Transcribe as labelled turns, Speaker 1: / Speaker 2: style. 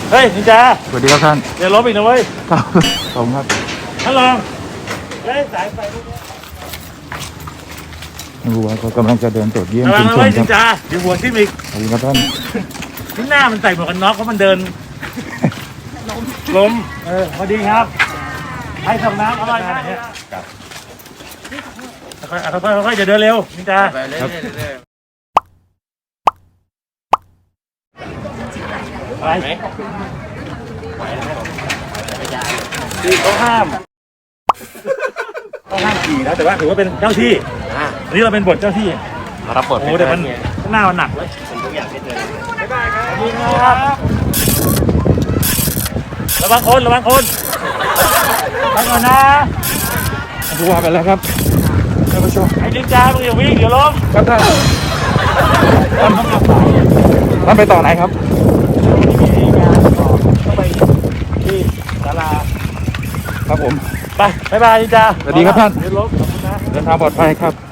Speaker 1: เฮ้ยนินจา
Speaker 2: สวัสดีครับท่าน
Speaker 1: อย่าลบอีกนะเว้ย
Speaker 2: ครับผมครับ
Speaker 1: ท่านรองเฮ้ยสายไฟพวกนี้
Speaker 2: รู้ว่าเขากำลังจะเดินตรวจเยี่ยม
Speaker 1: ระวั
Speaker 2: ชุ
Speaker 1: ง
Speaker 2: ม
Speaker 1: นะ
Speaker 2: ช
Speaker 1: เว้
Speaker 2: น
Speaker 1: ย
Speaker 2: ค
Speaker 1: นิ
Speaker 2: รับ
Speaker 1: นจาเดี๋ยวหัวทิ่มอีก
Speaker 2: สวัสดีครับท่าน
Speaker 1: ที่หน้ามันใส่หมวกกันน็อกเพราะมันเดินล้มพอดีครับให้ส่งน้ำอร่อยมากเนี่ยค่อยๆจะเดินเร็วนินจา
Speaker 3: ไปเรื่อยๆ
Speaker 1: ไปคือเขาห้ามขี่นะแต่ว่าถือว่าเป็นเจ้าที่อันนี้เราเป็นบทเจ้าที่
Speaker 3: รับบท
Speaker 1: โอ้แต่มันหน้ามันหนักเลยทุกอย่างไม่เจอบ๊ายบายครับระวังคนระวังก่อนนะ
Speaker 2: ดูว่าไปแล้วครับท่านผู้ชม
Speaker 1: ไอ้นินจามึงอย่าวิ่งเดี๋ยวล้ม
Speaker 2: ครับท่านท่านไปต่อไหนครับ
Speaker 1: ต้องไปที่ศาลา
Speaker 2: ครับผม
Speaker 1: ไปบ๊ายบายนินจา
Speaker 2: สวัสดีครับท่าน
Speaker 1: เดี๋ยวล้มขอบคุณนะ
Speaker 2: เดินทางปลอดภัยครับ